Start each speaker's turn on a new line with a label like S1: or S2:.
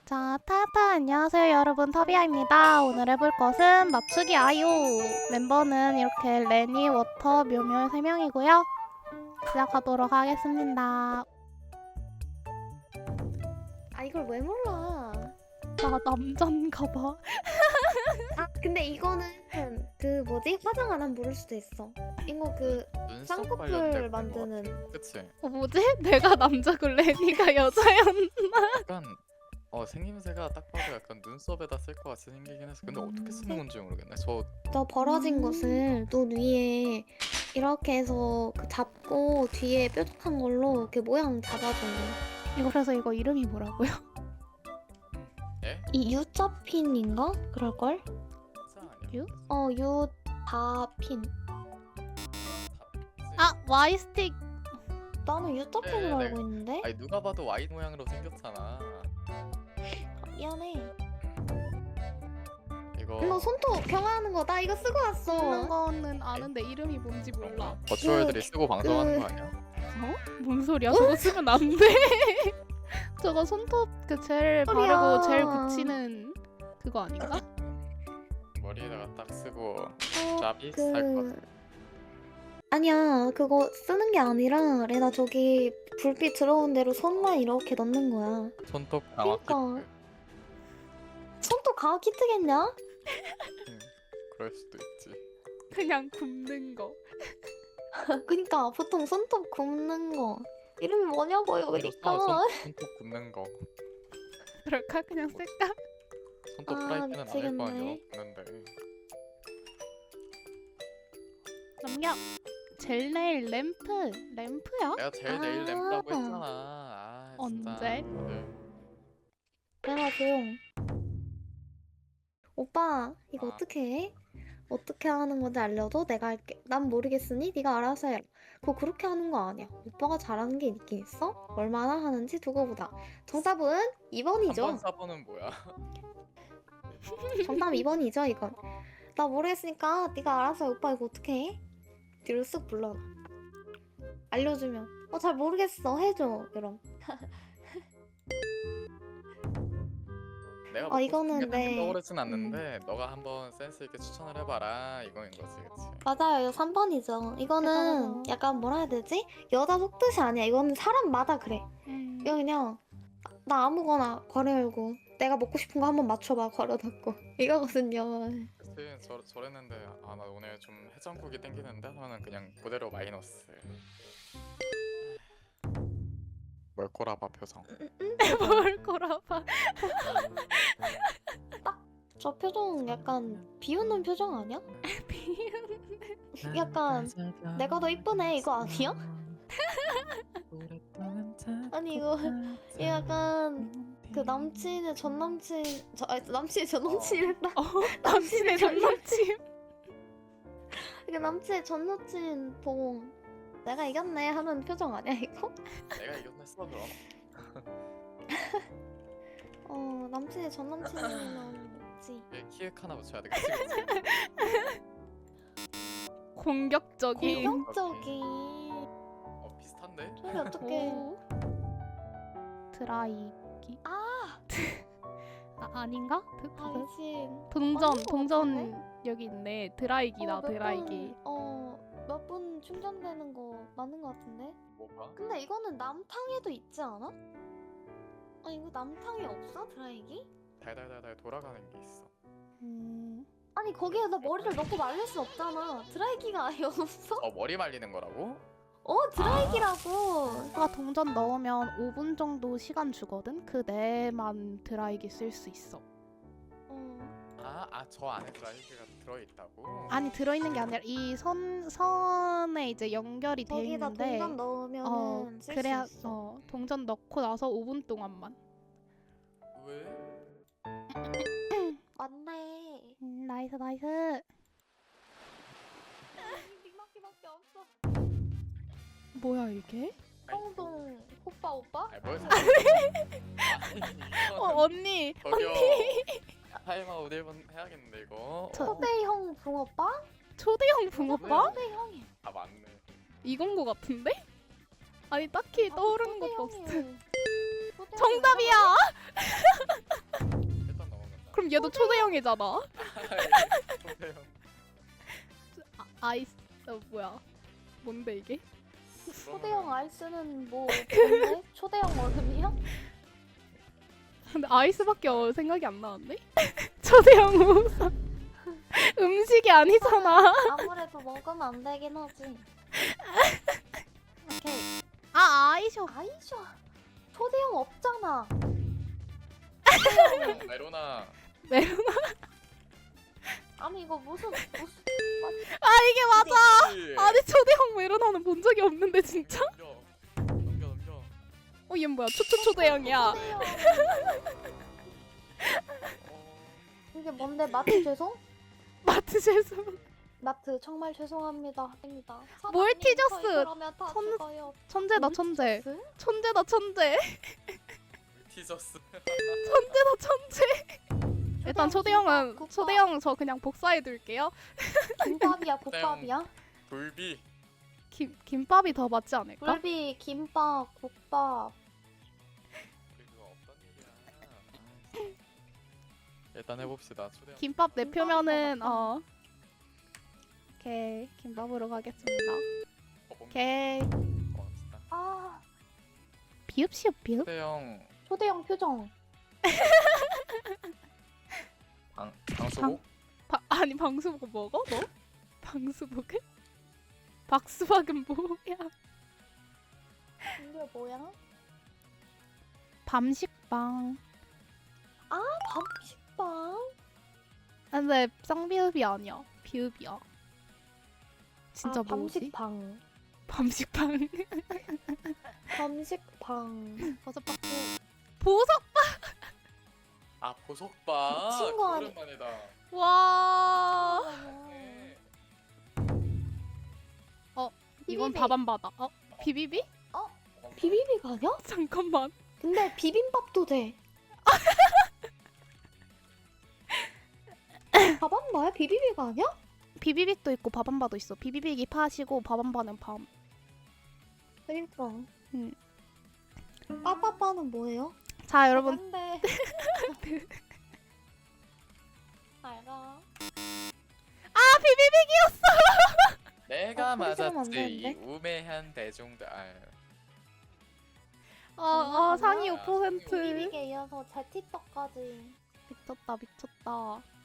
S1: 자, 타타 안녕하세요 여러분, 터비아입니다. 오늘 해볼 것은 맞추기 아이오. 멤버는 이렇게 레니, 워터, 묘묘 3명이고요. 시작하도록 하겠습니다.
S2: 아 이걸 왜 몰라?
S1: 나 남잔가 봐.
S2: 아 근데 이거는 그 뭐지? 화장 안 하면 모를 수도 있어. 이거 그
S3: 눈썹
S2: 쌍꺼풀
S3: 관련된
S2: 만드는.
S3: 거. 그치?
S1: 뭐지? 내가 남자고 레니가 여자였나?
S3: 약간 생김새가 딱 봐도 약간 눈썹에다 쓸 것 같이 생기긴 했어. 근데 어떻게 쓰는 건지 모르겠네.
S2: 너 벌어진 것을 눈 위에 이렇게 해서 그 잡고 뒤에 뾰족한 걸로 이렇게 모양 잡아줘.
S1: 이거 그래서 이거 이름이 뭐라고요?
S3: 예?
S2: 이 U자핀인가? 그럴걸?
S3: 진짜 아니야?
S1: 유?
S2: U자핀.
S1: 아, Y스틱.
S2: 나는 U자핀으로
S3: 네,
S2: 알고 있는데?
S3: 아니 누가 봐도 Y 모양으로 생겼잖아.
S2: 미안해.
S3: 이거
S2: 너 손톱 경화하는 거 나 이거 쓰고
S1: 쓰는
S2: 왔어.
S1: 거는 아는데 이름이 뭔지 몰라.
S3: 버추얼들이 쓰고 방송하는 거 아니야?
S1: 어? 뭔 소리야? 저거 쓰면 안 돼. 저거 손톱 그 젤
S2: 소리야.
S1: 바르고 젤 붙이는 그거 아닌가?
S3: 머리에다가 딱 쓰고
S2: 어,
S3: 짭이 살 것.
S2: 아니야 그거 쓰는 게 아니라 레나 저기 불빛 들어온 대로 손만 이렇게 넣는 거야.
S3: 손톱 강화
S2: 그러니까.
S3: 키트.
S2: 손톱 강화 키트겠냐?
S3: 그럴 수도 있지.
S1: 그냥 굽는 거.
S2: 그니까 보통 손톱 굽는 거 이름이 뭐냐고요.
S3: 이거
S2: 그러니까
S3: 손톱 굽는 거.
S1: 그럴까? 그냥 쓸까?
S3: 손톱
S2: 아,
S3: 프라이팬은 아닐 거 아니야.
S2: 미치겠네.
S3: 굽는데.
S1: 넘겨. 젤 네일 램프. 램프야?
S3: 내가 제일 내일 램프라고 했잖아. 아, 진짜.
S1: 언제?
S3: 다들.
S2: 레나 조용. 오빠 이거
S3: 아.
S2: 어떻게 해? 어떻게 하는 건지 알려줘? 내가 할게. 난 모르겠으니 네가 알아서 해. 그거 그렇게 하는 거 아니야. 오빠가 잘하는 게 있긴 있어? 얼마나 하는지 두고 보자. 정답은 2번이죠.
S3: 3번 4번은 뭐야?
S2: 정답 2번이죠 이건. 나 모르겠으니까 네가 알아서 해. 오빠 이거 어떻게 해? 뒤로 쓱 불러놔. 알려주면 잘 모르겠어 해줘 그럼.
S3: 내가
S2: 이거는 네.
S3: 떠오르진 않는데 너가 한번 센스 있게 추천을 해봐라 이거인 거지, 그치?
S2: 맞아요. 이거 3번이죠. 이거는
S1: 대단하다.
S2: 약간 뭐라 해야 되지? 여자 속뜻이 아니야. 이거는 사람마다 그래. 이거 그냥 나 아무거나 괄호 열고 내가 먹고 싶은 거 한번 맞춰봐 괄호 닫고 이거거든요.
S3: 그치, 저랬는데 아 나 오늘 좀 해장국이 땡기는데 하면은 그냥 그대로 마이너스. 뭘 꼬라봐 표정.
S1: 뭘 거라봐.
S2: 저 표정 약간 비웃는 표정 아니야? 약간 내가 더 이쁘네 이거 아니야? 아니 이거 약간 그 남친의 전 남친 남친의 전 남친이랬다.
S1: 남친의 전 남친.
S2: 이게 남친의 전 남친 보고 내가 이겼네 하는 표정 아니야 이거?
S3: 내가 이겼어 그럼.
S2: 남친의 전 남친이면 있지.
S3: 키읔 하나 붙여야 돼, 그치? 그치?
S1: 공격적인.
S2: 공격적인.
S3: 비슷한데?
S2: 저기 어떻게?
S1: 오. 드라이기.
S2: 아
S1: 아닌가?
S2: 당신
S1: 동전
S2: 아닌 것
S1: 동전
S2: 같은데?
S1: 여기 있네. 드라이기다 드라이기.
S2: 몇 분 충전되는 거 맞는 거 같은데?
S3: 뭐가?
S2: 근데 이거는 남탕에도 있지 않아? 이거 남탕에 없어 드라이기?
S3: 달달달달 돌아가는 게 있어.
S2: 아니 거기에다 머리를 넣고 말릴 수 없잖아. 드라이기가 아예 없어?
S3: 머리 말리는 거라고?
S2: 드라이기라고.
S1: 오빠가 동전 넣으면 5분 정도 시간 주거든. 그 내만 드라이기 쓸 수 있어.
S3: 저 안에 드라이기가 들어있다고?
S1: 아니, 들어있는 게 아니라 이 선에 이제 연결이 돼
S2: 거기다
S1: 있는데
S2: 동전 넣으면은 쓸
S1: 그래야
S2: 수 있어.
S1: 동전 넣고 나서 5분 동안만.
S3: 왜?
S2: 맞네.
S1: 나이스 나이스.
S2: 니밖에 없어.
S1: 뭐야 이게?
S2: 성동 오빠?
S3: 아니 뭘
S1: 언니.
S3: 저기요. 타임아웃 1분 해야겠는데 이거.
S2: 초대형 붕어빵?
S1: 초대형 붕어빵?
S2: 초대형이.
S3: 아 맞네.
S1: 이건 거 같은데? 아니 딱히 떠오르는 것도 없어.
S2: 초대형이.
S1: 정답이야. 그럼 얘도 초대형이잖아.
S3: 초대형.
S1: 아이스 뭐야? 뭔데 이게?
S2: 초대형 아이스는 뭐 뭔데? 초대형 얼음이야?
S1: 근데 아이스밖에 생각이 안 나는데? 초대형 우선 음식이 아니잖아.
S2: 아무래도 먹으면 안 되긴 하지. 오케이.
S1: 아 아이쇼.
S2: 아이쇼. 초대형 없잖아.
S3: 메로나.
S1: 메로나.
S2: 아니 이거 무슨
S1: 아 이게 맞아. 아니 초대형 메로나는 본 적이 없는데 진짜?
S3: 넘겨.
S1: 얘 뭐야? 초대형이야.
S2: 초대형.
S3: 어,
S2: 이게 뭔데 마트 죄송?
S1: 마트 죄송.
S2: 마트 정말 죄송합니다. 아닙니다.
S1: 몰티저스.
S2: 사장님, 저희 그러면 다
S1: 천-
S2: 죽어요.
S1: 천재다 천재.
S2: 몰티저스?
S1: 천재다 천재.
S3: 티저스.
S1: 천재다 천재. 일단 초대형은
S2: 국밥.
S1: 초대형 저 그냥 복사해 둘게요.
S2: 김밥이야 국밥이야?
S3: 불비.
S1: 김밥이 더 맞지 않을까?
S2: 굴비 김밥 국밥.
S3: 그거 없던 일이야. 일단 해봅시다. 초대형.
S1: 김밥
S2: 김밥인
S1: 내표면은
S2: 것 같다.
S1: 오케이 김밥으로 가겠습니다.
S3: 뭔가
S1: 오케이
S3: 고맙습니다.
S2: 아
S1: 비읍시읍 비읍.
S3: 초대형
S2: 초대형 표정.
S3: 방수복.
S1: 아니 방수복 먹어 너? 방수복을? 박수박은 뭐야?
S2: 이게 뭐야?
S1: 밤식빵.
S2: 밥식빵?
S1: 근데 쌍비읍이 아니야. 비읍이야. 진짜 뭐지?
S2: 밤식빵.
S1: 밤식빵.
S2: 밤식빵.
S1: 버섯박수. 보석.
S3: 아 보석바.
S2: 미친 거 아니-
S3: 오랜만이다.
S1: 와.
S3: 네.
S1: 이건
S2: 비비비.
S1: 밥 안 받아. 비비비?
S2: 비비비가 아니야?
S1: 잠깐만.
S2: 근데 비빔밥도 돼. 밥안바야? 비비비가 아니야?
S1: 비비빅도 있고 밥안바도 있어. 비비빅이 팥이고 밥안바는 밤.
S2: 그러니까.
S1: 응.
S2: 빠빠빠는 뭐예요?
S1: 자 여러분
S2: 안돼. 알가.
S3: 내가
S2: 소리 지르면 안
S3: 맞았지. 이
S2: 되는데?
S3: 우매한 대중들. 아유.
S1: 상위
S3: 뭐야?
S1: 5%.
S2: 비비비에 이어서 제티떡까지.
S1: 미쳤다 미쳤다.